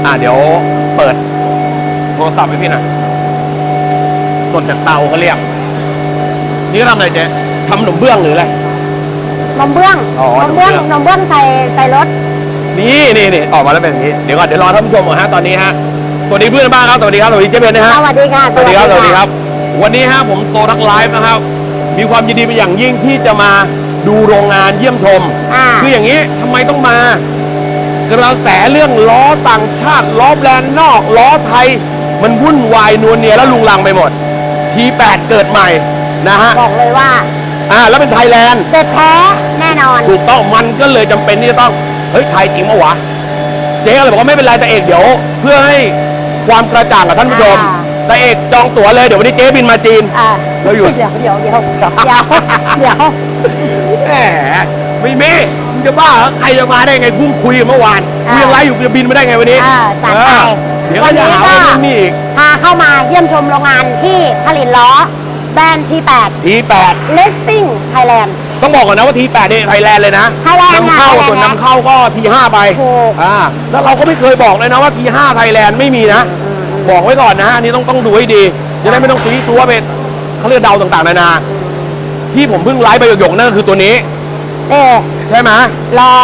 เดี๋ยวเปิดโทรศัพท์ให้พี่หน่อยสดจากเตาเขาเรียกนี่ก็ทำอะไรเจ๊ทำขนมเบื้องหรืออะไรนมเบื้องนมเบื้องใส่รถนี่ออกมาแล้วเป็นอย่างนี้เดี๋ยวก่อนเดี๋ยวรอท่านผู้ชมก่อนฮะตอนนี้ฮะสวัสดีเพื่อนบ้านครับสวัสดีครับสวัสดีเจ๊เบนนะฮะสวัสดีค่ะสวัสดีครับวันนี้ฮะผมโซทักไลฟ์นะครับมีความยินดีเป็นอย่างยิ่งที่จะมาดูโรงงานเยี่ยมชมคืออย่างนี้ทำไมต้องมากระแสเรื่องล้อต่างชาติล้อแบรนด์นอกล้อไทยมันวุ่นวายนวลเนียและลุงลังไปหมดT8เกิดใหม่นะฮะบอกเลยว่าแล้วเป็นไทยแลนด์เด็ดแท้แน่นอนถูกต้องมันก็เลยจำเป็นที่จะต้องเฮ้ยไทยจริงปะวะเจ๊ก็เลยบอกว่าไม่เป็นไรแต่เอกเดี๋ยวเพื่อให้ความกระจ่างกับท่านผู้ชมแต่เอกจองตั๋วเลยเดี๋ยววันนี้เจ๊บินมาจีนเราอยู่เดี๋ยวแหมไม่มีมึงจะบ้าใครจะมาได้ไงพุ่งคุยเมื่อวานมึงยังไล่อยู่จะบินมาได้ไงวันนี้จัดไปเดี๋ยวจะหาว่านี่อีกพาเข้ามาเยี่ยมชมโรงงานที่ผลิตล้อแบรนด์ T8 Racing Thailand ต้องบอกก่อนนะว่า T8 นี่ไทยแลนด์เลยนะนำเข้าส่วนนำเข้าก็ T5 ไปแล้วเราก็ไม่เคยบอกเลยนะว่า T5 ไทยแลนด์ไม่มีนะบอกไว้ก่อนนะอันนี้ต้องดูให้ดีจะได้ไม่ต้องซีตัวเป็นเขาเรียกเดาต่างๆนานาที่ผมเพิ่งไลฟ์ไปหยกๆนั่นก็คือตัวนี้ใช่ไหมรอ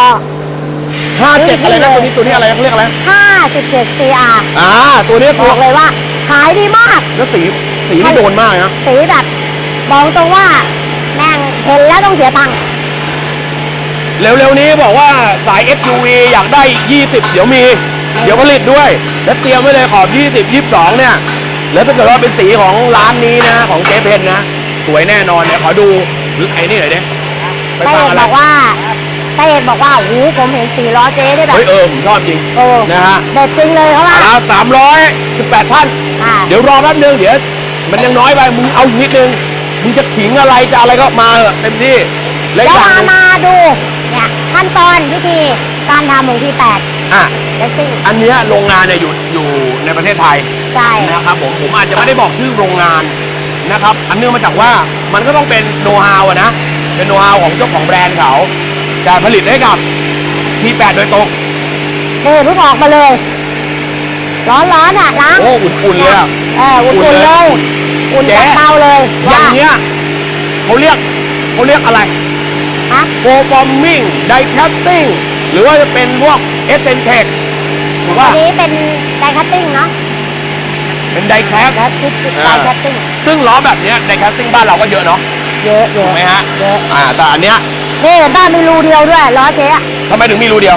57อะไรนะตัวนี้อะไรเขาเรียกอะไร 57 CR ตัวนี้บอกเลยว่าขายดีมากแล้วสีนี่โดนมากนะสีแบบบอกตรงว่าแม่งเห็นแล้วต้องเสียตังค์เร็วๆนี้บอกว่าสาย SUV อยากได้20เดี๋ยวผลิตด้วยแล้วเตรียมไว้เลยขอบ20 22เนี่ยแล้วถ้าเกิดว่าเป็นสีของร้านนี้นะของเจ๊เพนนะสวยแน่นอนเนี่ยขอดูไอ้นี่หน่อยดิไปฟังอะไรบอกว่าโอ้โหผมเห็น4ล้อเจ๊ได้แบบผมชอบจริงนะฮะเด็ดจริงเลยเขาว่า 318ท่านเดี๋ยวรอแป๊บนึงเดี๋ยวมันยังน้อยไปมึงเอานิดนึงมึงจะขิงอะไรจะอะไรก็มาเต็มที่แล้วมาดูเนี่ยขั้นตอนวิธีการทำของT8 อันนี้โรงงานเนี่ยอยู่ในประเทศไทยใช่นะครับผมอาจจะไม่ได้บอกชื่อโรงงานนะครับอันเนื่องมาจากว่ามันก็ต้องเป็นโน้ตฮาวนะเป็นโน้ตฮาวของเจ้าของแบรนด์เขาแต่ผลิตให้กับT8โดยตรงเพิ่งออกมาเลยร้อนล้างอุ่นๆเลยอุ่นเลยอุ่นจากเตาเลยอย่างเนี้ยเขาเรียกอะไรโฟฟอร์มิ่งไดแคสติ้งหรือว่าจะเป็นพวกเอสเซนเทคถูกป่ะอันนี้เป็นไดแคสติ้งเนาะเป็นไดแคสติ้งซึ่งล้อแบบนี้ไดแคสติ้งบ้านเราก็เยอะเนาะเยอะถูกไหมฮะเยอะแต่อันเนี้ยบ้านมีรูเดียวด้วยล้อเจ๊ทำไมถึงมีรูเดียว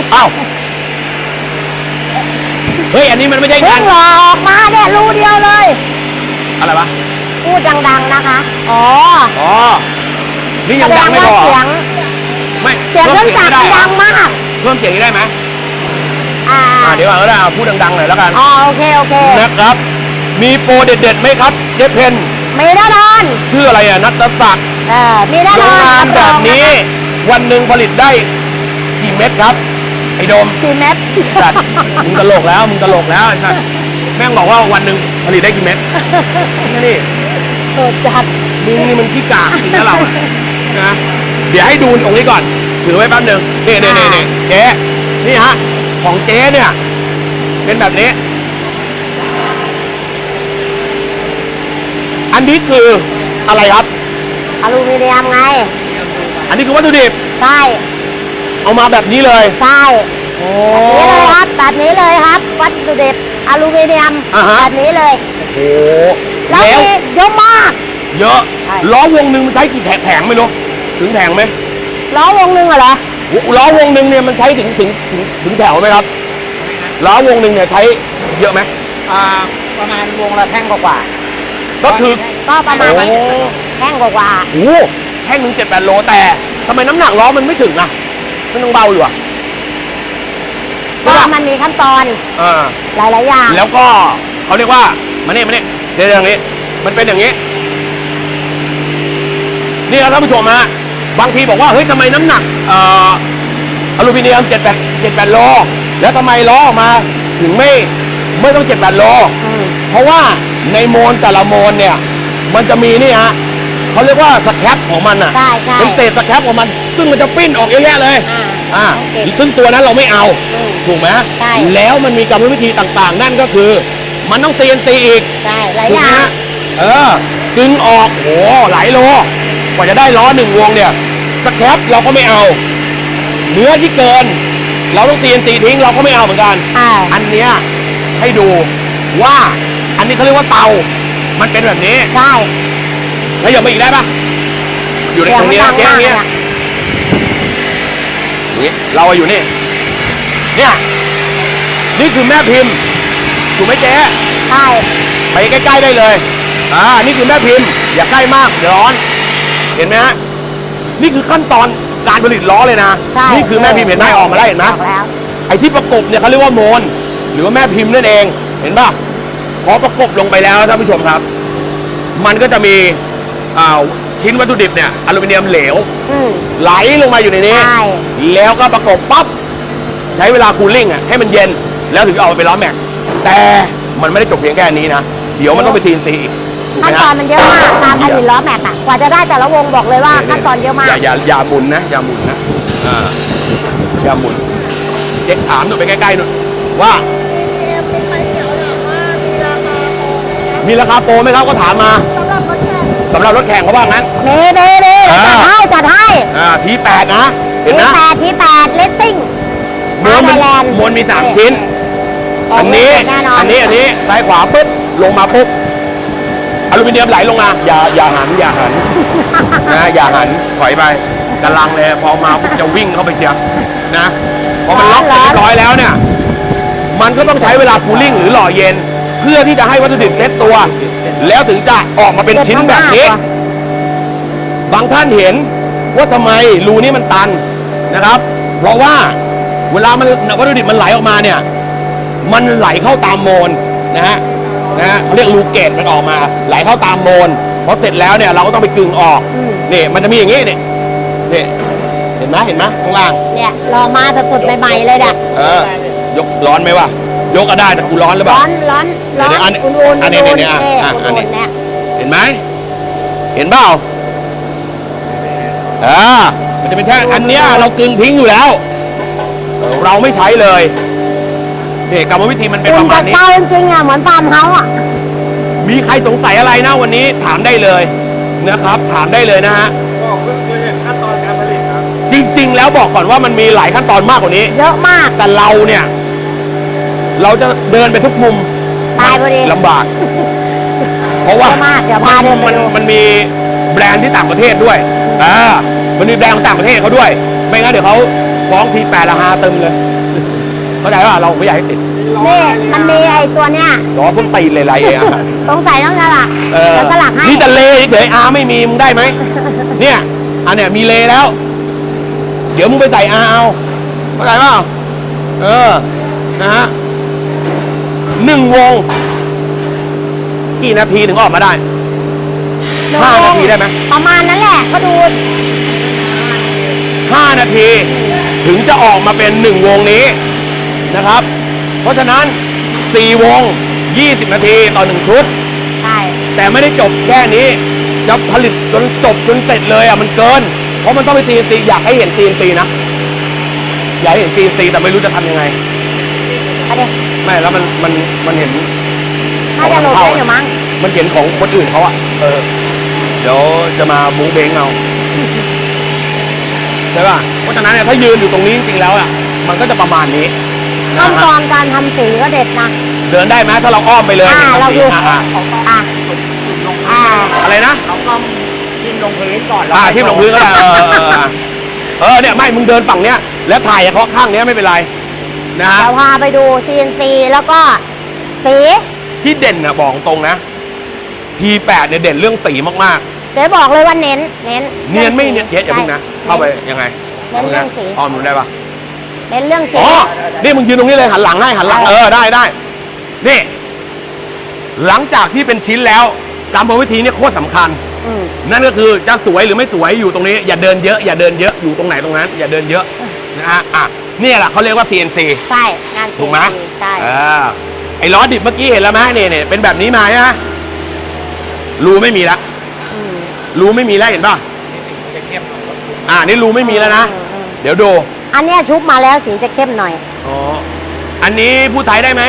เฮ้ยอันนี้มันไม่ใช่งานหลอกมาเนี่ยรูเดียวเลยอะไรวะพูดดังๆนะคะนี่ยังดังไม่พอเสียงเครื่องจักรดังมากเพิ่มเสียงได้ไหมเดี๋ยวเราพูดดังๆหน่อยแล้วกันโอเคนะครับมีโปรเด็ดๆไหมครับเจ๊เพนมีแน่นอนชื่ออะไรนัทศักดิ์มีแน่นอนโรงงานแบบนี้วันหนึ่งผลิตได้กี่เม็ดครับไอ้โดม 4 เม็ดมึงตลกแล้วใช่แม่งบอกว่าวันหนึ่งผลิตได้กี่เม็ดนี่จัดมึงนี่มันขี้กากจริงนะเรานะเดี๋ยวให้ดูตรงนี้ก่อนถือไว้แป๊บนึงนี่เจ๊นี่ฮะของเจ๊เนี่ยเป็นแบบนี้อันนี้คืออะไรครับอลูมิเนียมไงอันนี้คือวัตถุดิบใช่เอามาแบบนี้เลยใช่แบบนี้เลยครับวัตถุดิบอลูมิเนียมแบบนี้เลยแล้วเยอะมากเยอะล้อวงหนึ่งมันใช้กี่แผงไม่รู้ถึงแผงไหมล้อวงหนึ่งเหรอล้อวงหนึ่งเนี่ยมันใช้ถึงแถวไหมครับล้อวงหนึ่งเนี่ยใช้เยอะไหมประมาณวงละแท่งกว่าก็คือก็ประมาณแท่งกว่าแท่งถึง7-8 โลแต่ทำไมน้ำหนักล้อมันไม่ถึงอ่ะมันต้องเบาอยู่อ่ะก็มันมีขั้นตอนหลายอย่างแล้วก็เขาเรียกว่ามาเนี่ยเดี๋ยวอย่างนี้มันเป็นอย่างนี้นี่ครับท่านผู้ชมฮะบางทีบอกว่าเฮ้ยทำไมน้ำหนักอลูมิเนียม7-8 โลแล้วทำไมล้อออกมาถึงไม่ต้อง7-8 โลเพราะว่าในโมนแต่ละโมนเนี่ยมันจะมีนี่ฮะเขาเรียกว่าสแครปของมันอ่ะเป็นเศษสแครปของมันซึ่งมันจะปิ้นออกเยอะแยะเลยซึ่งตัวนั้นเราไม่เอาถถูกไหมใช่แล้วมันมีกรรมวิธีต่างๆ นั่นก็คือ มันต้อง CNC อีกใช่หลายถูอกไหมย่างฮะกึ่งออกโหหลายโลกว่าจะได้ล้อ1 วงเนี่ยสแครปเราก็ไม่เอา เนื้อที่เกิน เราต้อง CNC ทิ้งเราก็ไม่เอาเหมือนกัน อันเนี้ยให้ดูว่าอันนี้เขาเรียกว่าเตา มันเป็นแบบนี้ใช่แล้วอย่ามาอีกได้ปะอยู่ในตรงนี้นะเจ๊ตรงนี้นี่เราอยู่นี่เนี่ยนี่คือแม่พิมพ์ถูกไหมเจ๊ใช่ไปใกล้ๆได้เลยนี่คือแม่พิมพ์อย่าใกล้มากเดี๋ยวร้อนเห็นไหมฮะนี่คือขั้นตอนการผลิตล้อเลยนะใช่นี่คือแม่พิมพ์เห็นไหมออกมาได้เห็นไหมออกแล้วไอ้ที่ประกบเนี่ยเขาเรียกว่าโมนหรือว่าแม่พิมพ์นั่นเองเห็นป่ะพอประกบลงไปแล้วท่านผู้ชมครับ มันก็จะมีชิ้นวัตถุดิบเนี่ยอลูมิเนียมเหลว ไหลลงมาอยู่ในนี้ใช่แล้วก็ประกบปั๊บใช้เวลาคูลิ่งให้มันเย็นแล้วถึงจะเอาไปล้อแม็กแต่มันไม่ได้จบเพียงแค่นี้นะเดี๋ยวมันต้องไปCNCอีกถูกไหขั้มนตอฮะนมันเยอะมากการผลิตล้อแม็กอะกว่าจะได้แต่ละวงบอกเลยว่าขั้นตอนเยอะมากอย่าหมุนนะอย่าหมุนนะอย่าหมุนเจ๊ถามหนูไปใกล้ๆหนูว่ามีราคาโปรไหมครับก็ถามมาสำหรับรถแข่งเขาว่างั้นเน่จัดให้ที8นะเห็นนะที่แปดเลสซิ่งมวนมี3 ชิ้น อันนี้ซ้ายขวาปุ๊บลงมาปุ๊บอลูมิเนียมไหลลงมาอย่าหันนะอย่าหันถอยไปกำลังเลยพอมาปุ๊บจะวิ่งเข้าไปเชียร์นะพอมันล็อกเสร็จเรียบร้อยแล้วเนี่ยมันก็ต้องใช้เวลาคูลิ่งหรือหล่อเย็น เพื่อที่จะให้วัตถุดิบเซ็ตตัว แล้วถึงจะออกมาเป็นชิ้นแบบนี้ บางท่านเห็นว่าทำไมรูนี้มันตันนะครับ เพราะว่าเวลามันวัตถุดิบมันไหลออกมาเนี่ยมันไหลเข้าตามโมนนะฮะเขาเรียกรูเกตมันออกมาไหลเข้าตามโมนพอเสร็จแล้วเนี่ยเราก็ต้องไปกึ่งออกนี่มันจะมีอย่างนี้นี่เห็นไหมข้างล่างเนี่ยรอมาแต่สดใหม่ๆเลยเนี่ยยกร้อนไหมวะยกก็ได้แต่กูร้อนหรือเปล่าร้อนอุ่นๆอันนี้เนี่ยเห็นไหมเห็นเปล่ามันจะเป็นแท่งอันเนี้ยเรากึ่งทิ้งอยู่แล้วเราไม่ใช้เลยนี่กรรมวิธีมันเป็นประมาณนี้เตาจริงๆเหมือนฟาร์มเฮาส์มีใครสงสัยอะไรนะวันนี้ถามได้เลยนะครับถามได้เลยนะฮะก็คือขั้นตอนการผลิตครับจริงๆแล้วบอกก่อนว่ามันมีหลายขั้นตอนมากกว่านี้เยอะมากแต่เราเนี่ยเราจะเดินไปทุกมุมตายพอดีลำบาก เพราะว่าเยอะมากเดี๋ยวพาเดินไปดูมันมีแบรนด์ที่ต่างประเทศด้วยมันมีแบรนด์ของต่างประเทศเขาด้วย ไม่งั้นเดี๋ยวเขาฟ้องที8 ละฮาเติมเลยเข้าใจว่าเราไม่อยากให้ติดนี่มันมีไอ้ตัวเนี้ยล้อพุ่งตีนเลยไรเองสงสัยต้องสลักเดี๋ยวสลักให้นี่แต่เลเฉยไม่มีมึงได้ไหมเนี่ยอันเนี้ยมีเลแล้ว เดี๋ยวมึงไปใส่เอาเข้าใจเปล่านะฮะ1 วงกี่นาทีถึงออกมาได้5 นาทีได้ไหมประมาณนั้นแหละก็ดู 5 นาทีถึงจะออกมาเป็น1 วงนี้นะครับ เพราะฉะนั้น4 วง20 นาทีต่อ1 ชุดใช่แต่ไม่ได้จบแค่นี้จะผลิตจนจบจนเสร็จเลยมันเกินเพราะมันต้องไปCNCอยากให้เห็นCNCนะอยากให้เห็นCNCแต่ไม่รู้จะทำยังไงเอาดิไม่แล้วมันเห็นน่าจะโหลดได้อยู่มั้งมันเห็นของคนอื่นเขาเดี๋ยวจะมาบุ้งเบงเอาใช่ป่ะเพราะฉะนั้นเนี่ยถ้ายืนอยู่ตรงนี้จริงๆแล้วมันก็จะประมาณนี้ขั้นตอนการทำสีก็เด็ดนะเดินได้ไหมถ้าเราอ้อมไปเลยเราดูอะไรนะเราก็ทิ่มลงพื้นก่อนทิ่มลงพื้นก็ได้เนี่ยไม่มึงเดินฝั่งเนี้ยแล้วถ่ายเฉพาะข้างเนี้ยไม่เป็นไรนะฮะเดี๋ยวพาไปดู CNC แล้วก็สีที่เด่นนะบอกตรงนะT8เนี่ยเด่นเรื่องสีมากเจ๊บอกเลยว่าเน้นๆเนียนไม่เนียนอย่าเพิ่งนะเข้าไปยังไงเน้นเรื่องสีอ้อมดูได้ปะเน้นเรื่องสีนี่มึงยืนตรงนี้เลยหันหลังให้หันหลังได้นี่หลังจากที่เป็นชิ้นแล้วกรรมวิธีนี่โคตรสำคัญนั่นก็คือจะสวยหรือไม่สวยอยู่ตรงนี้อย่าเดินเยอะอยู่ตรงไหนตรงนั้นอย่าเดินเยอะนะฮะนี่แหละเขาเรียกว่า CNC ใช่งานถูกไหมใช่ไอ้ล้อดิบเมื่อกี้เห็นแล้วไหมเนี่ยเป็นแบบนี้มาใช่ไหมรูไม่มีละรูไม่มีแล้วเห็นป่ะนี่รูไม่มีแล้วนะเดี๋ยวดูอันเนี้ยชุบมาแล้วสีจะเข้มหน่อยอันนี้พูดไทยได้ไหม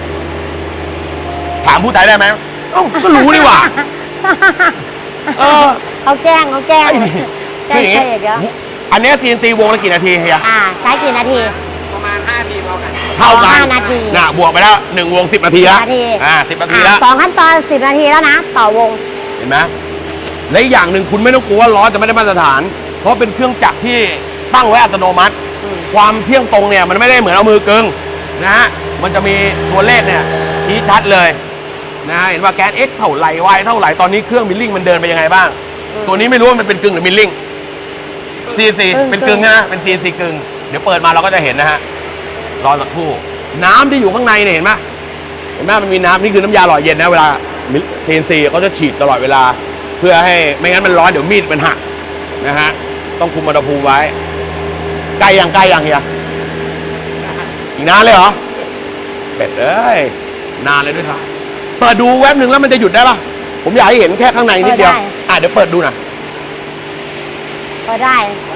ถามพูดไทยได้ไหมเอ้าก็รู้นี่หว่าเออเขาแกล้งเขาแกล้งไอ้แกล้คืงออย่างเยงี้อะอันเนี้ย CNC วงละกี่นาทีเฮียใช้กี่นาทีประมาณ5 ทีเท่ากันเท่ากัน 5 นาทีน่ะบวกไปแล้ว1 วง 10 นาทีละ 10 นาที 10 นาทีแล้ว 2 ขั้นตอน 10 นาทีแล้วนะ ต่อวงเห็นไหมและอีกอย่างหนึ่งคุณไม่ต้องกลัวว่าล้อจะไม่ได้มาตรฐาน เพราะเป็นเครื่องจักรที่ตั้งไว้อัตโนมัติ ความเที่ยงตรงเนี่ยมันไม่ได้เหมือนเอามือกึงนะฮะ มันจะมีตัวเลขเนี่ยชี้ชัดเลยนะฮะเห็นว่าแก๊ส X เท่าไหร่ Y เท่าไหร่ตอนนี้เครื่องมิลลิ่งมันเดินไปยังไงบ้าง ตัวนี้ไม่รู้ว่ามันเป็นกึ่งหรือมิลลิ่ง CNC เป็นกึ่งนะเป็น CNC กึ่งเดี๋ยวเปิดมาเราก็จะเห็นนะฮะรอสักครู่น้ำที่อยู่ข้างในเนี่ยเห็นไหมมันมีน้ำนี่คือน้ำยาหล่อเย็นนะเวลา CNC เขาจะฉีดตลอดเวลา เพื่อให้ไม่งั้นมันร้อนเดี๋ยวมีดมันหักนะฮะต้องคุมอุณหภูมิไว้ใกล้ยังเฮียอีกนานเลยเหรอเป็ดเอ้ยนานเลยด้วยครับเปิดดูแว็บหนึ่งแล้วมันจะหยุดได้ปะผมอยากให้เห็นแค่ข้างในนิดเดียวเดี๋ยวเปิดดูหน่อยก็ได้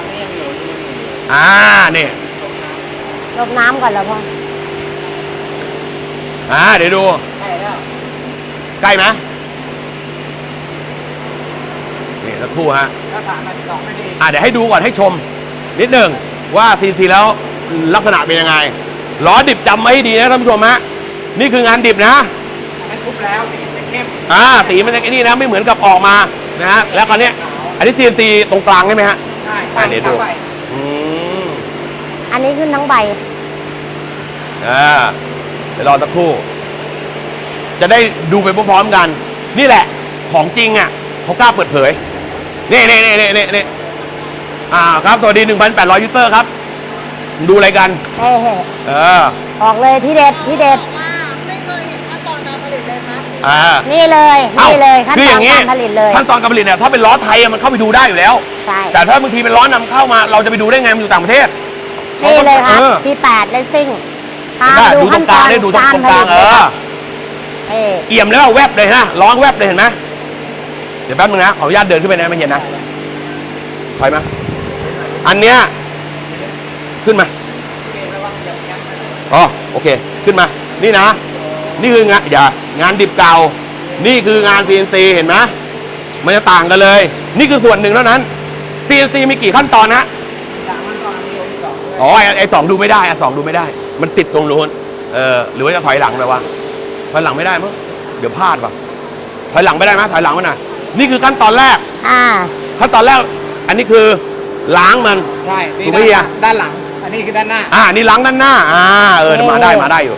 นี่ลบน้ำก่อนแล้วพ่อเดี๋ยวดูใกล้ไหมนี่สักครู่ฮะถ้าผ่านมา2 นาทีเดี๋ยวให้ดูก่อนให้ชม นิดหนึ่งว่า CNC แล้วลักษณะเป็นยังไงล้อดิบจำไว้ให้ดีนะท่านผู้ชมฮะนี่คืองานดิบนะมันทุบแล้วสีจะเข้มสีมันจะไอ้นี่นะไม่เหมือนกับออกมานะฮะแล้วคราวนี้อันนี้ CNC ตรงกลางใช่ไหมฮะใช่เดี๋ยวดูไปอันนี้ขึ้นทั้งใบเดี๋ยวรอสักครู่ จะได้ดูไปพร้อมๆกัน นี่แหละของจริงอ่ะเขากล้าเปิดเผยนี่ครับสวัสดี 1,800 ยูเซอร์ครับดูอะไรกันเฮ้ ออกเลยที่เด็ดที่เด็ดไม่เคยเห็นขั้นตอนการผลิตเลยครับนี่เลยขั้นคือตออนย่างนี้การผลิตเลยขั้นตอนการผลิตเนี่ยถ้าเป็นล้อไทยมันเข้าไปดูได้อยู่แล้วใช่แต่ถ้าบางทีเป็นล้อนำเข้ามาเราจะไปดูได้ไงมันอยู่ต่างประเทศนี่เลยครับออที่8เลสซิ่งพาได้ไปดูตรงกลางได้ดูตรงกลางเอี่ยมแล้วแวบเลยฮะร้องแวบเลยเห็นไหมเดี๋ยวแป๊บนึงนะขออนุญาตเดินขึ้นไปนะไม่เห็นนะถอยมาอันเนี้ยขึ้นมาโอเคขึ้นมานี่นะนี่คืองานงานดิบเก่านี่คืองาน CNC เห็นไหมมันจะต่างกันเลย นี่คือส่วนหนึ่งเท่านั้น CNC มีกี่ขั้นตอนนะไอ้2ดูไม่ได้2ดูไม่ได้มันติดตรงนู้นหรือว่าจะถอยหลังไปวะถอยหลังไม่ได้มั้งเดี๋ยวพลาดว่ะถอยหลังไม่ได้ไหมถอยหลังมันน่ะนี่คือขั้นตอนแรกขั้นตอนแรกอันนี้คือล้างมันใช่ถูกไหมเฮียด้านหลัง อันนี้คือด้านหน้านี่ล้างด้านหน้ามาได้อยู่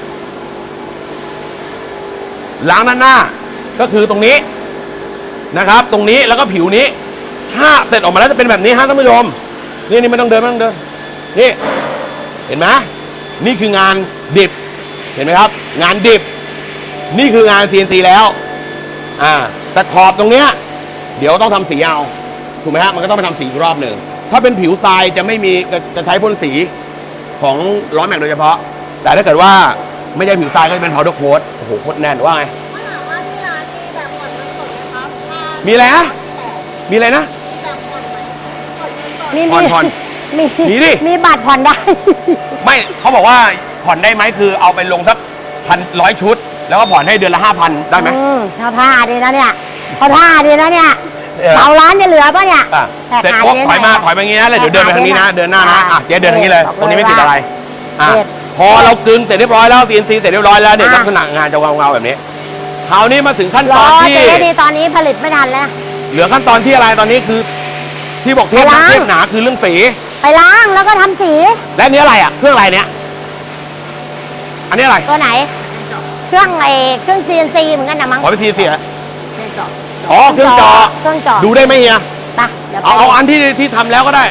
ล้างด้านหน้าก็คือตรงนี้นะครับ ตรงนี้แล้วก็ผิวนี้ถ้าเสร็จออกมาแล้วจะเป็นแบบนี้ฮะท่านผู้ชมนี่ไม่ต้องเดินนี่เห็นไหมนี่คืองานดิบเห็นไหมครับ งานดิบนี่คืองาน CNC แล้วแต่ขอบตรงเนี้ยเดี๋ยวต้องทำสีเอาถูกไหมฮะมันก็ต้องไปทำสีอีกรอบหนึ่งถ้าเป็นผิวทรายจะไม่มีจะใช้พ่นสีของล้อแม็กโดยเฉพาะแต่ถ้าเกิดว่าไม่ใช่ผิวทรายก็จะเป็นพาวเดอร์โค้ดโอ้โหโคตรแน่นว่าไงว่าถามว่าที่ร้านมีแบบผ่อนเงินสดไหมครับมีอะไรนะมีอะไรนะแบบผ่อนไหมผ่อนเงินสดมีผ่อน มีดิมีบัตรผ่อนได้ไม่เขาบอกว่าผ่อนได้ไหมคือเอาไปลงสัก1,100 ชุด แล้วก็ผ่อนให้เดือนละ 5,000 ได้ไหมเขาท่าดีนะเนี่ยเขาท่าดีนะเนี่ยเออเสาร้านจะเหลือป่ะเนี่ยเสร็จปุ๊บถอยมาอย่างนี้นะแล้วเดี๋ยวเดินไปทางนี้นะเดินหน้านะเจ๊เดินทางนี้เลยตรงนี้ไม่ติดอะไรพอเรากึงเสร็จเรียบร้อยแล้ว CNC เสร็จเรียบร้อยแล้วเนี่ยลักษณะงานจะเงาๆแบบนี้คราวนี้มาถึงขั้นตอนที่เจ๊ดีตอนนี้ผลิตไม่ทันแล้วเหลือขั้นตอนที่อะไรตอนนี้คือ ที่บอกเทปหนาคือเรื่องสีไปล้างแล้วก็ทำสีและนี้อะไรเครื่องอะไรเนี่ยอันนี้อะไรตัวไหน เครื่อง CNC เหมือนกันนะมั้งขอไปทีเสียเครื่องเจาะเครื่องเจาะเครื่องเจาะดูได้ไหมเฮียไปเดี๋ยวไปเอาอันที่ทำแล้วก็ได้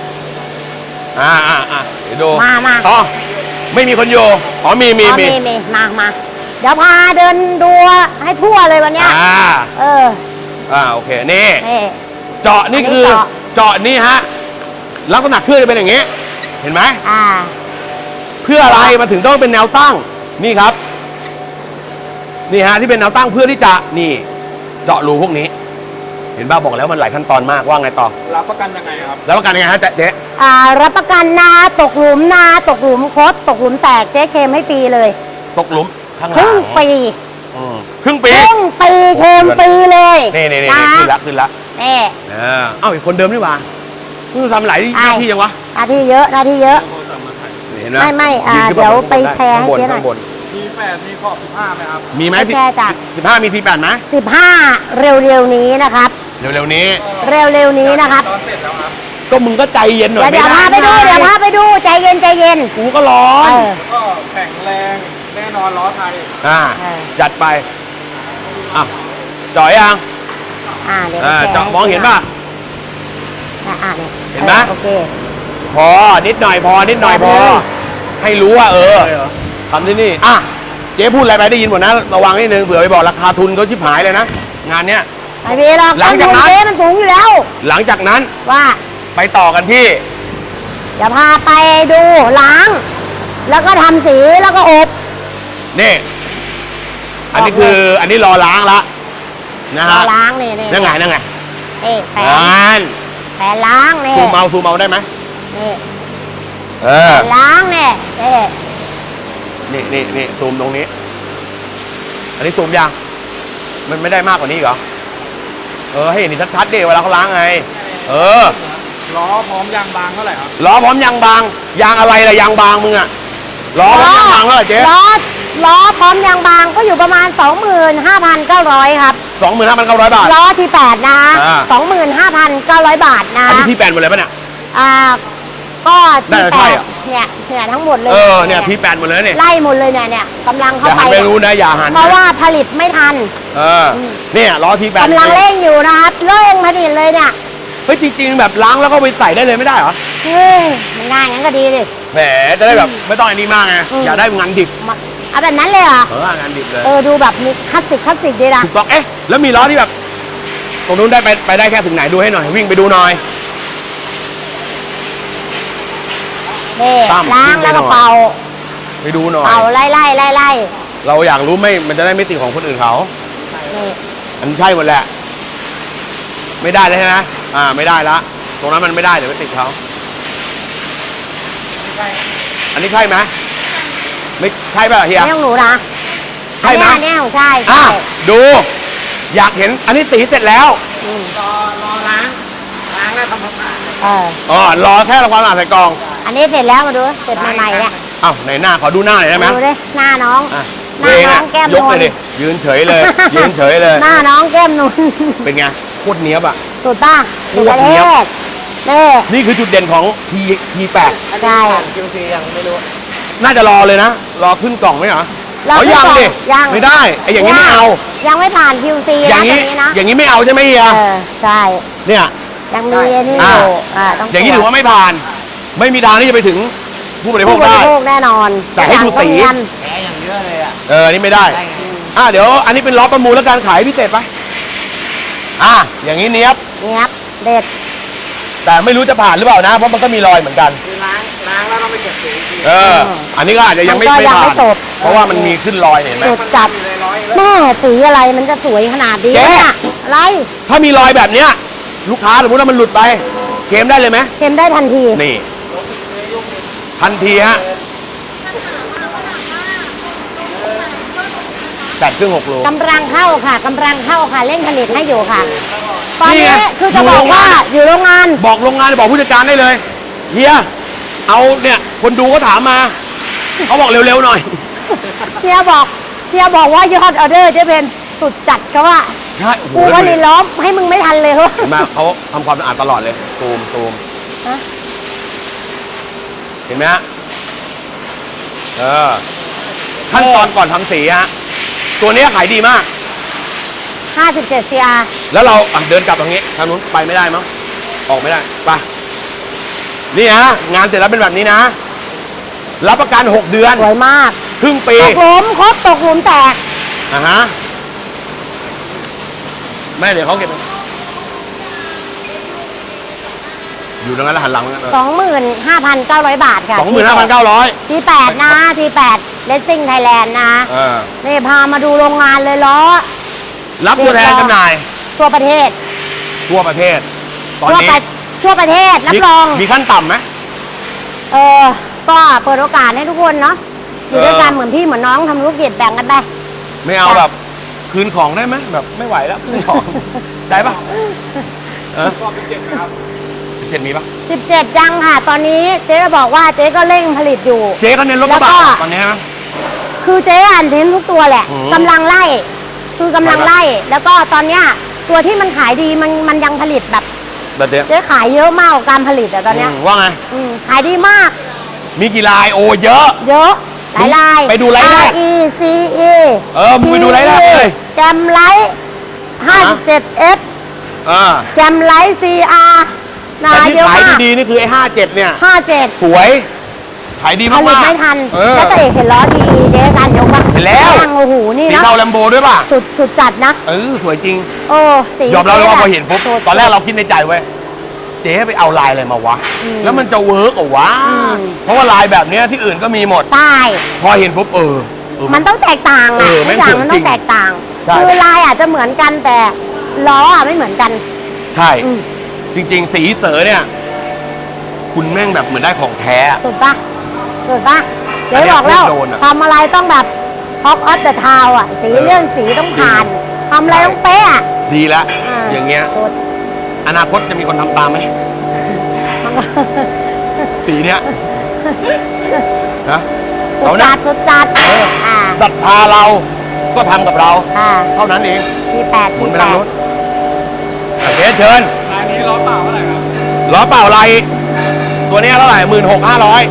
เดี๋ยวดูมาไม่มีคนอยู่มีมาเดี๋ยวพาเดินดูให้ทั่วเลยวันเนี้ยโอเคนี่นี่เจาะนี่คือเจาะนี่ฮะลักษณะเครื่องจะเป็นอย่างนี้ เห็นไหมเพื่ออะไรมาถึงต้องเป็นแนวตั้งนี่ครับนี่ฮะที่เป็นแนวตั้งเพื่อที่จะนี่เจาะรูพวกนี้ เห็นห็นบ้าบอกแล้วมันหลายขั้นตอนมากว่าไงต่อรับประกันยังไงครับแล้วประกันยังไงฮะเจ๊รับประกันนาตกหลุมนาตกหลุมคดตกหลุมแตกเจ๊เคลมให้ฟรีเลยตกหลุมข้างหคลัรึ่งงปีครึ่งปีครึ่งปีเคลมฟรีเลยนี่นะขึ้นละขึ้นละนี่เอ้าอีกคนเดิมนี่หว่านี่ทำหลายหน้าที่ยังวะหน้าที่เยอะหน้าที่เยอะนี่เห็นไหมไม่ยืนขึ้นเดี๋ยวบนไปแชร์ให้ข้างบนเจ๊หน่อยข้างบนมี8มีขอบ15ไหมครับมีไหมไปแชร์จ้ะ 15มีT8ไหม 15เร็วๆนี้นะครับเร็วๆนี้เร็วๆนี้นะครับตอนเสร็จแล้วครับก็มึงก็ใจเย็นหน่อยเดี๋ยวไม่พาไปดูได้เดี๋ยวพาไปดูใจเย็นใจเย็นกูก็ร้อนก็แข็งแรงแน่นอนล้อไทยจัดไปจ่อยยังเดี๋ยวไปแชร์เจาะมองเห็นป่ะนี่เห็นไหมโอเคพอนิดหน่อยพอ ให้รู้ว่าทำที่นี่เจ๊พูดอะไรไปได้ยินหมดนะระวังนิดนึงเผื่อไปบอกราคาทุนเขาชิบหายเลยนะงานเนี้ยไม่มีหรอกหลังจากนั้นเจ๊มันสูงอยู่แล้วหลังจากนั้นว่าไปต่อกันที่เดี๋ยวพาไปดูล้าง แล้วก็ทำสีแล้วก็อบนี่อันนี้คืออันนี้รอล้างละนะฮะล้างนี่นั่งไงแผลนั่นแผลล้างนี่ซูมเอาได้ไหมนี่เอแผอลล้างนี่นี่ซูมตรงนี้ อันนี้ซูมยังมันไม่ได้มากกว่านี้เหรอให้เห็นชัดๆดิเวลาเขาล้างไงล้อพร้อมยางบางเท่าไหร่ครับล้อพร้อมยางบางยางอะไรล่ะยางบางมึงอะล้อพร้อมยางบางเท่าไหร่เจ๊ล้อพร้อมยางบางก็อยู่ประมาณ 25,900 ครับ 25,900 บาทล้อที่8นะ 25,900 บาทนะอันนี้ที่8หมดเลยปะเนี่ยก็น่าที่จะใช่ 8 อะเนี่ยทั้งหมดเลยเนี่ยที่8หมดเลยเนี่ยไล่หมดเลยเนี่ยกำลังอเข้าย่าไปหันไปรู้นะอย่าหันเพราะว่าผลิตไม่ทันเนี่ยล้อที่8 กำลังเร่งอยู่นะครับเร่งผลิตเลยเนี่ยเฮ้ยจริงๆแบบล้างแล้วก็ไปใส่ได้เลยไม่ได้เหรอเฮ้ยมันง่ายงั้นก็ดีดิแหมจะได้แบบไม่ต้องอันนี้มากไงอยากได้งานดิบเอาแบบนั้นเลยเหรองานดิบเลยดูแบบมีคลาสสิกดีนะถูกต้องแล้วมีล้อที่แบบตรงนู้นได้ไปได้แค่ถึงไหนดูให้หน่อยวิ่งไปดูหน่อยนี่ตั้มล้างแล้วก็เป่าไปดูหน่อยเป่าไล่เราอยากรู้มันจะได้ไม่ติดของคนอื่นเขานี่อันนใช่หมดแหละ ไม่ได้เลยใช่ไหมไม่ได้ละตรงนั้นมันไม่ได้เดี๋ยวไปติดเขาอันนี้ใช่ไหมไม่ใช่ป่ะเฮียนี่ของหนูนะใช่ไหมอันเนี้ยของใช่ดู อยากเห็นอันนี้สีเสร็จแล้วรอล้างแล้วทำความสะอาดรอแค่ความสะอาดใส่กล่องอันนี้เสร็จแล้วมาดูเสร็จใหม่ๆเนี่ยไหนหน้าขอดูหน้าหน่อยได้ไหมดูดิหน้าน้อง หน้าเองน้องแก้มยกนูเลยนดิยืนเฉยเลย ยืนเฉยเลยหน้าน้องแก้มนูนเป็นไงโคตรเนี้ยบอ่ะสุดป่ะโคสุดตปรระเทเนี้ยศนี่นี่คือจุดเด่นของ T8 ใช่ QC ยังไม่รู้น่าจะรอเลยนะ รอขึ้นกล่องไหมเหรอเรายังดิยังไม่ได้ไอ้อย่างนี้ไม่เอายังไม่ผ่าน QC อนะย่างตรนี้งนี้นะอย่างนี้ไม่เอาใช่ไหมเฮียใช่เนี่ยยังมีอันนี่อ่าอยู่ต้องอย่างนี้ถือว่าไม่ผ่าน ไม่มีทางที่จะไปถึงผู้บริโภผู้คบได้ริโภคแน่นอนแต่ให้ดูสีอย่างแผลอย่างเยอะเลยอ่ะอันนี้ไม่ได้ เดี๋ยวอันนี้เป็นล้อประมูลแล้วการขายพิเศษไปอย่างนี้เนี้ยบเนี้ยบเด็ดแต่ไม่รู้จะผ่านหรือเปล่านะ เพราะมันก็มีรอยเหมือนกันคือล้างแล้วต้องไปเก็บสีอีกทีอันนี้ก็อาจจะยังไม่มันก็ยังผ่าไม่นจบเพราะว่ามันมีขึ้นรอยเนี่ยเห็นไหมสุดจัดเลยร้อยแม่สีอะไรมันจะสวยขนาดนี้เจ๊เนี่ยอะไรถ้ามีรอยแบบเนี้ยลูกค้าสมมติว่ามันหลุดไปเกมได้เลยไหมเค็มได้ทันทีนี่ ทันทีฮะ8 ครึ่ง 6 โลกำลังเข้าค่ะกำลังเข้าค่ะเร่งผลิตให้อยู่ค่ะ ตอนนี่นี้ไงคือจะบอกว่าอยู่โรงงานบอกโรงงานบอกผู้จัดการได้เลยเฮียเอาเนี่ยคนดูก็ถามมาเขาบอกเร็วๆหน่อยเฮียบอกว่ายอดออเดอร์จะเป็นสุดจัดเขาว่าใช่โอ้โหกูว่านี่ล้อมให้มึงไม่ทันเลยเขาเห็นไหมเขาทำความสะอาดตลอดเลยซูมฮะเห็นไหมฮะขั้นตอนก่อนทำสีฮะตัวนี้ขายดีมาก 57 CR แล้วเราเดินกลับทางนี้ทางนู้นไปไม่ได้มั้งออกไม่ได้ไปนี่ฮะงานเสร็จแล้วเป็นแบบนี้นะ รับประกัน 6 เดือนสวยมากครึ่งปีตกหลุมครบตกหลุมแตกแม่เดี๋ยวเขาเก็บอยู่ตรงนั้นแล้วหันหลัง 25,900 บาทค่ะ 25,900 T8 นะ T8 Racing Thailand นะนี่พามาดูโรงงานเลยล้อรับตัวแทนจำหน่ายทั่วประเทศทั่วประเทศ ตอนทั่วนี้ไปทั่วประเทศรับรองมีขั้นต่ำไหมก็เปิดโอกาสให้ทุกคนเนาะอยู่ด้วยกันเหมือนพี่เหมือนน้องทำธุรกิจแบ่งกันไปไม่เอาแบบคืนของได้ไหมแบบไม่ไหวแล้วคืนของ ได้ปะรอบ17นะครับ17มีปะ 17ยังค่ะ ตอนนี้เจ๊จะบอกว่าเจ๊ก็เร่งผลิตอยู่เจ๊ก็เน้นรถกระบะแล้วก็ตอนนี้ใช่ไหมคือเจ๊อ่านเน้นทุกตัวแหละอืมกำลังไล่คือกำลังไล่ แล้วก็ตอนเนี้ยตัวที่มันขายดีมันยังผลิตแบบแบบเนี้ยเจ๊ขายเยอะมากกว่าการผลิตอะตอนเนี้ยว่าไงขายดีมากมีกี่ลายโอ้เยอะเยอะหลายลายไปดูไลฟ์แรก R E C E มึงไปดูไลฟ์แรกเลยแกมไลท์57 F แกมไลท์ CR นาแต่ที่เยอะขายมากดีๆนี่คือไอ้57เนี่ย 57 สวย ขายดีผมากลิตๆไม่ทันเออแล้วตัวเอกเห็นล้อดีเจ๊การยกว่าเห็นแล้วโอ้โหนี่สีนะเทาแลมโบด้วยป่ะสุดจัดนะสวยจริงโอ้สียอมรับเลยว่าจ๊พอเห็นปุ๊บสุดตอนแรกเราคิดในใจเว้ยเจ๊ไปเอาลายอะไรมาวะ แล้วมันจะเวิร์กเหรอวะ เพราะว่าลายแบบเนี้ยที่อื่นก็มีหมดใช่พอเห็นปุ๊บมันต้องแตกต่างเออะอทุแม่กงอย่างสวยมันจริต้อง งแตกต่างใช่คือลายอาจจะเหมือนกันแต่ล้ออะไม่เหมือนกันใช่อืมจริง ๆ สีเต๋อเนี่ย คุณแม่งแบบเหมือนได้ของแท้อะสุดปะสุดปะอัเดี๋นยวเนี้ยบอกแล้วโดนอะทำอะไรต้องแบบท็อปออฟเดอะทาวอะสีเรื่องสีต้องผ่านทำอะไรต้องเป๊ะอะดีละอ่าอย่างเงี้ยสุดอนาคตจะมีคนทำตามไหมมันก็สีเนี้ยนะสุเอาดนะจัดสุดจัดอ่าศรัทธาเราก็ทำกับเราอ่าเท่านั้นเองที่8 หมุนที่ไปทาง 8 นู้นโอเคเชิญร้านนี้ล้อเปล่าเท่าไหร่ครับล้อเปล่าไรตัวเนี้ยเท่าไหร่16,500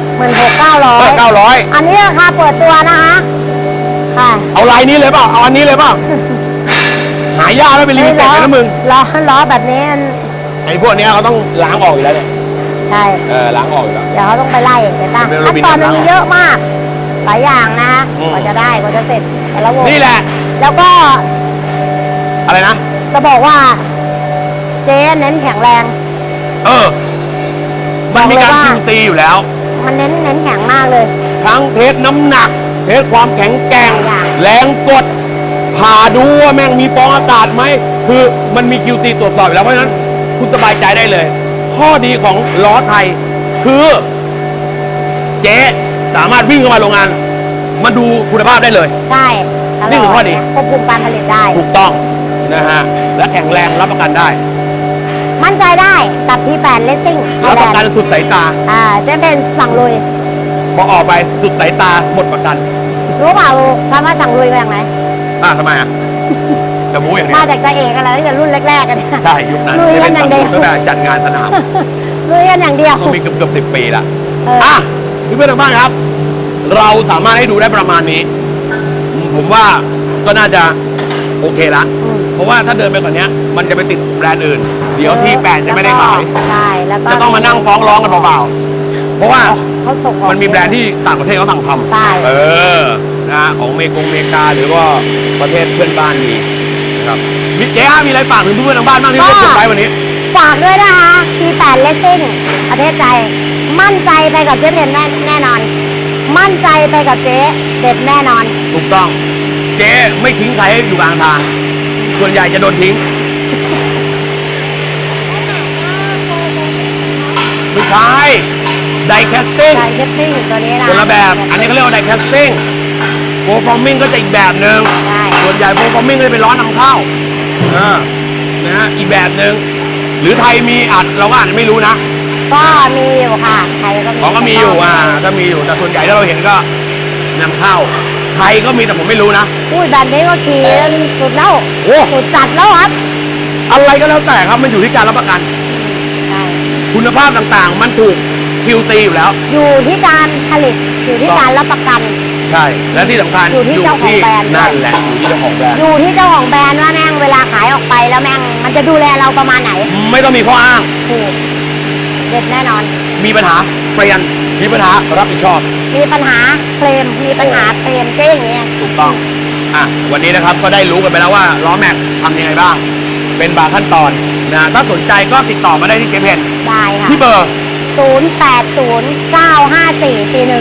16,900 อันนี้ราคาเปิดตัวนะคะค่ะเอาลายนี้เลยเปล่าเอาอันนี้เลยเปล่าหายากไม่เป็นลิมิเต็ดเลยนะมึงล้อแบบนี้มันไอ้พวกเนี้ยเขาต้องล้างออกอยู่แล้วเนี่ยใช่ล้างออกอยู่แล้วเดี๋ยวเขาต้องไปไล่เห็นปะเป็นโรขั้นบินตอนมันน้ำมีเยอะมาก หลายอย่างนะอืมกว่าจะได้กว่าจะเสร็จแต่ละวงนี่แหละแล้วก็อะไรนะจะบอกว่าเจ๊เน้นแข็งแรงมันมีการบอกเลยว่าคิวตีอยู่แล้วมันเน้นแข็งมากเลยทั้งเทสน้ำหนัก เทสความแข็งแกร่งหลายอย่างแรงกดผ่าดูว่าแม่งมีฟองอากาศไหม คือมันมีคิวตีตรวจสอบอยู่แล้ว เพราะฉะนั้นคุณสบายใจได้เลย ข้อดีของล้อไทย คือ เจ๊สามารถวิ่งเข้ามาโรงงาน มาดูคุณภาพได้เลยใช่ตลนี่คือข้อดีควบคุมการผลิตได้ถูกต้องนะฮะ และแข็งแรงรับประกันได้มั่นใจได้กับที8 Racing รับประกันสุดสายตาเจ๊เป็นสั่งลุยพอออกไปสุดสายตาหมดประกันรู้เปล่าคำว่าสั่งลุยมาจากไหนทำไมอ่ะจะบู๊อย่างนี้มาจากตาเอกอะไรตั้งแต่รุ่นแรกๆกันเนี่ยใช่ยุคนั้นลุยกันอย่างเดียวตั้งแต่จัดงานสนามลุยกันอย่างเดียวก็มีเกือบ10 ปีละเออเพื่อนๆทางบ้านครับ เราสามารถให้ดูได้ประมาณนี้ ผมว่าก็น่าจะโอเคละ เพราะว่าถ้าเดินไปกว่านี้มันจะไปติดแบรนด์อื่น เดี๋ยวที่8จะไม่ได้ขายใช่แล้วก็จะต้องมานั่งฟ้องร้องกันเปล่าๆเพราะว่าเขาส่งออกมันมีแบรนด์ที่ต่างประเทศเขาสั่งทใช่ำนะฮะของอเมริกาหรือว่าประเทศเพื่อนบ้านมีนะครับมิเจ๊มีอะไรฝากถึงเพื่อนๆทางบ้านบ้างที่ร่วมกดไลค์วันนี้ฝากด้วยนะคะที8 Racing ประเทศใจ มั่นใจไปกับเจ๊เพนแน่นอน มั่นใจไปกับเจ๊เด็ดแน่นอนถูกต้อง เจ๊ไม่ทิ้งใครให้อยู่กลางทาง ส่วนใหญ่จะโดนทิ้ง ไม่ใช่ไดแคสติ้งใจเทปซิ่งตัวนี้นะคนละแบบ อันนี้เขาเรียกว่าไดแคสติ้งโฟร์ฟอร์มิงก็จะอีกแบบหนึ่งใช่ส่วนใหญ่โฟร์ฟอร์มิงก็จะเป็นล้อนำเข้านะฮะอีกแบบหนึ่งหรือไทยมีอาจเราก็อาจจะไม่รู้นะก็มีอยู่ค่ะไทยก็มีก็มีอยู่ถ้ามีอยู่แต่ส่วนใหญ่ที่เราเห็นก็นำเข้าไทยก็มีแต่ผมไม่รู้นะอุ้ยแบบนี้ก็ขี่สุดแล้วโอ้สุดจัดแล้วครับอะไรก็แล้วแต่ครับมันอยู่ที่การรับประกันใช่คุณภาพต่างๆ มันถูกคิวตีอยู่แล้วอยู่ที่การผลิตอยู่ที่การรับประกันใช่ และที่สำคัญอยู่ที่เจ้าของแบรนด์นั่นแหละอยู่ที่เจ้าของแบรนด์อยู่ที่เจ้าของแบรนด์ว่าแม่งเวลาขายออกไปแล้วแม่งมันจะดูแลเราประมาณไหนไม่ต้องมีข้ออ้างถูกเด็ดแน่นอนมีปัญหาเปลี่ยนมีปัญหารับผิดชอบมีปัญหาเคลมมีปัญหาเคลมเจ๊อย่างเงี้ยถูกต้องวันนี้นะครับก็ได้รู้กันไปแล้วว่าล้อแม็กทำยังไงบ้าง เป็นบางขั้นตอนนะถ้าสนใจก็ติดต่อมาได้ที่เจเพนได้ค่ะที่เบอร์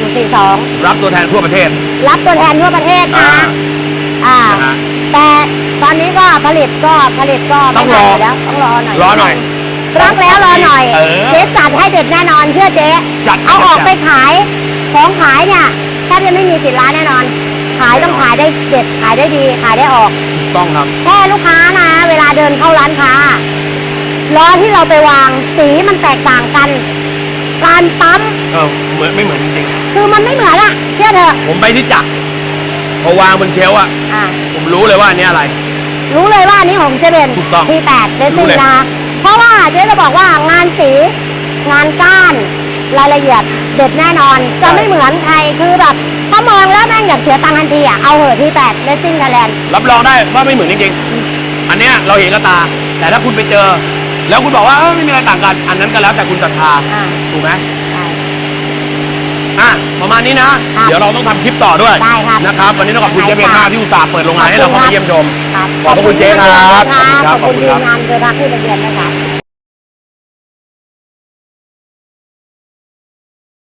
0809544142 รับตัวแทนทั่วประเทศรับตัวแทนทั่วประเทศนะนะฮะแต่ตอนนี้ก็ผลิตก็ต้องรอไม่ทันแล้วต้องรอหน่อยรอหน่อยรักแล้วรอหน่อยเออเจ๊จัดให้เด็ดแน่นอนเชื่อเจ๊จัดเอาออกจัดไปขายของขายเนี่ยแทบจะไม่มีติดร้านแน่นอน ขายต้องขายได้เด็ดขายได้ดีขายได้ออกถูกต้องครับแค่ลูกค้านะ เวลาเดินเข้าร้านค้าล้อที่เราไปวางสีมันแตกต่างกัน การปั๊มเหมือนไม่เหมือนจริงคือมันไม่เหมือนอะเชื่อเถอะๆผมไปที่จักรพอวางบนเชลฟ์อะอ่ะผมรู้เลยว่าอันนี้อะไรรู้เลยว่าอันนี้ของเจเบนถูกต้องที่8เดรู้ซิ่งเลยนะเพราะว่าเจ๊จะบอกว่างานสี งานก้าน รายละเอียดเด็ดแน่นอน จะไม่เหมือนใครคือแบบถ้ามองแล้วแม่งอยากเสียตังค์ทันทีอะเอาเหอะที่8เดซิ่งไทยแลนด์รับรองได้ว่าไม่เหมือนจริงๆ อันเนี้ยเราเห็นกับตา แต่ถ้าคุณไปเจอ แล้วคุณบอกว่าไม่มีอะไรต่างกัน อันนั้นก็แล้วแต่คุณศรัทธาอ่าถูกไหมใช่อ่ะประมาณนี้นะครับเดี๋ยวเราต้องทำคลิปต่อด้วยได้ครับนะครับวันนี้ต้องขอบคุณเจ๊เบนมากที่อุตส่าห์เปิดโรงงานให้เราเข้ามาเยี่ยมชมครับขอบพระคุณเจ๊ครับขอบคุณขอบขอบคุคุณณทีครับมงานเจอรักที่ระเบียนนะครับ